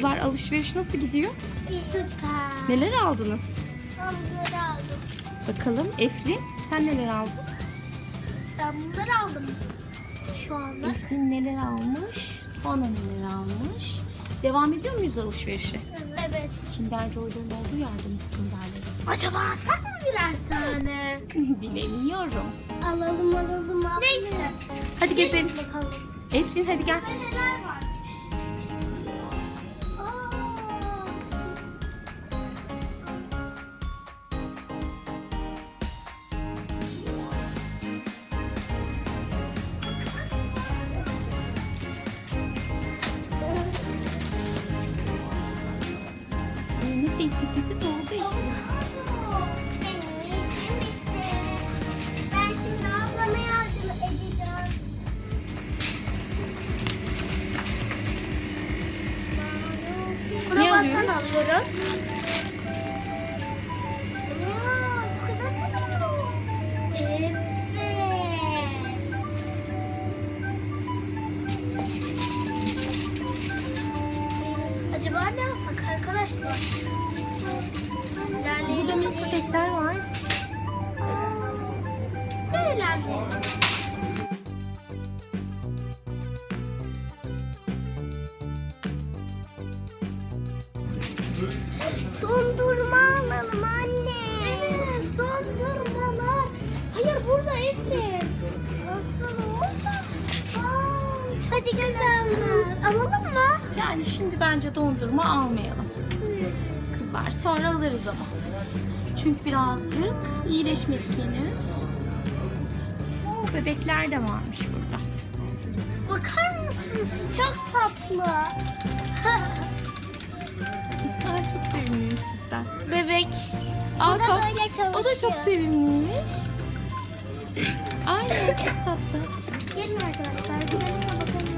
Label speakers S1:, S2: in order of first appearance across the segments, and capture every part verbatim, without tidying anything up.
S1: Kızlar alışveriş nasıl gidiyor?
S2: Süper.
S1: Neler aldınız?
S2: Ben bunları aldım.
S1: Bakalım Eflin sen neler aldın?
S2: Ben bunları aldım. Şu anda.
S1: Eflin neler almış? Tuana neler almış? Devam ediyor muyuz alışverişe?
S2: Evet.
S1: Kinder Joy'ların olduğu yerde mi Kinder'leri?
S2: Acaba alsak mı birer tane?
S1: Bilemiyorum.
S2: Alalım alalım. alalım. Neyse.
S1: Hadi gezelim.
S2: Bakalım.
S1: Eflin hadi gel.
S2: Burada neler var? Aa.
S1: Ne sepeti doldu Eflin.
S2: Benim işim bitti. Ben şimdi ablama yardım edeceğim. Kruvasan
S1: alıyoruz?
S2: alıyoruz. Aa, çikolata mı? Evet. Acaba ne alsak arkadaşlar?
S1: Burada
S2: İlerleyelim.
S1: milkshake'ler var.
S2: Böyle ilerleyelim. Dondurma alalım anne. Evet, dondurmalar. Hayır, burada Efrin. Nasıl orada? Aa, hadi güzeller. Alalım mı?
S1: Yani şimdi bence dondurma almayalım. Kızlar sonra alırız ama. Çünkü birazcık iyileşmedik henüz. Oo, bebekler de varmış burada.
S2: Bakar mısınız? Çok tatlı.
S1: Aa, çok sevimliymiş cidden. Bebek. Aa,
S2: Bu da
S1: çok-
S2: böyle çalışıyor.
S1: O da çok sevimliymiş. Aynen çok tatlı.
S2: Gelin arkadaşlar, gidelim de bakalım.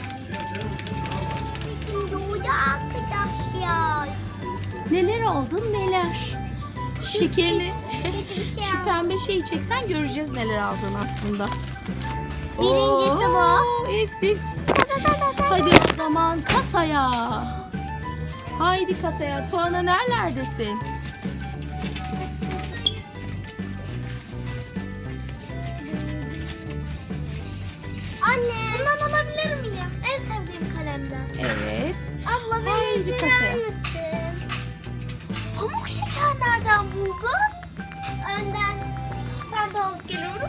S2: Şimdi orada arkadaşlar.
S1: Neler oldu neler. Şekerini
S2: hiçbir şey
S1: şu pembe şeyi çeksen göreceğiz neler aldın aslında.
S2: Birincisi bu.
S1: Oo, Eflin. Hadi o zaman kasaya. Haydi kasaya. Tuana nerelerdesin?
S2: Anne. Bundan alabilir miyim? En sevdiğim kalemden.
S1: Evet.
S2: Abla
S1: Haydi
S2: beni
S1: kasaya.
S2: izler misin? Pamuk şeker nereden buldun? Önden. Ben de alıp geliyorum.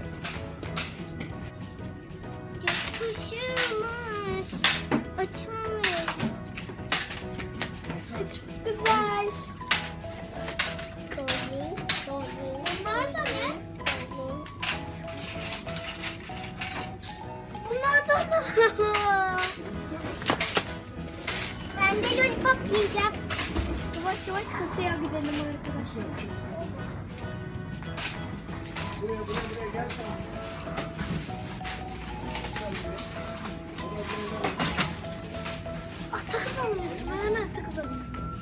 S2: Yapışmış. Açılmıyor. Çok güzel. Dolayı, dolayı. Bunlar da ne? Bunlar da mı? Ben de lollipop yiyeceğim. Yavaş yavaş kasaya gidelim arkadaşlar. Aa, sakız alıyoruz. Ben hemen sakız alayım.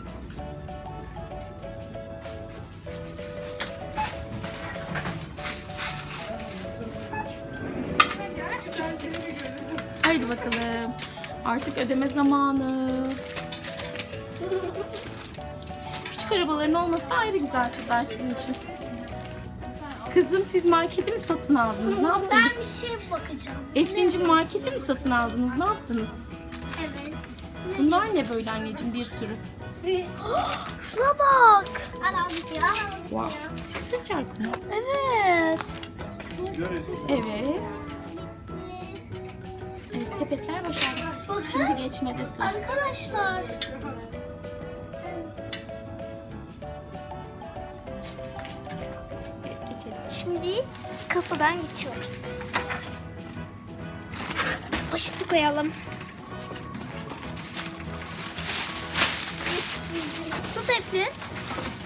S1: Haydi bakalım. Artık ödeme zamanı. Küçük arabaların olması da ayrı güzel kızlar sizin için. Kızım siz marketi mi satın aldınız? Ne
S2: Ben
S1: yaptınız?
S2: bir şeye bakacağım.
S1: Eflin'cim marketi mi satın aldınız? Ne yaptınız?
S2: Evet.
S1: Bunlar ne böyle anneciğim bir sürü?
S2: Şuna bak. Alalım ya.
S1: Wow. Stres çarkı mı?
S2: Evet.
S1: Evet. Evet, sepetler boşaldı. Şimdi geçmede sıra.
S2: Arkadaşlar.
S1: Evet, geçelim.
S2: Şimdi kasadan geçiyoruz. Poşeti koyalım. Tut Eflin.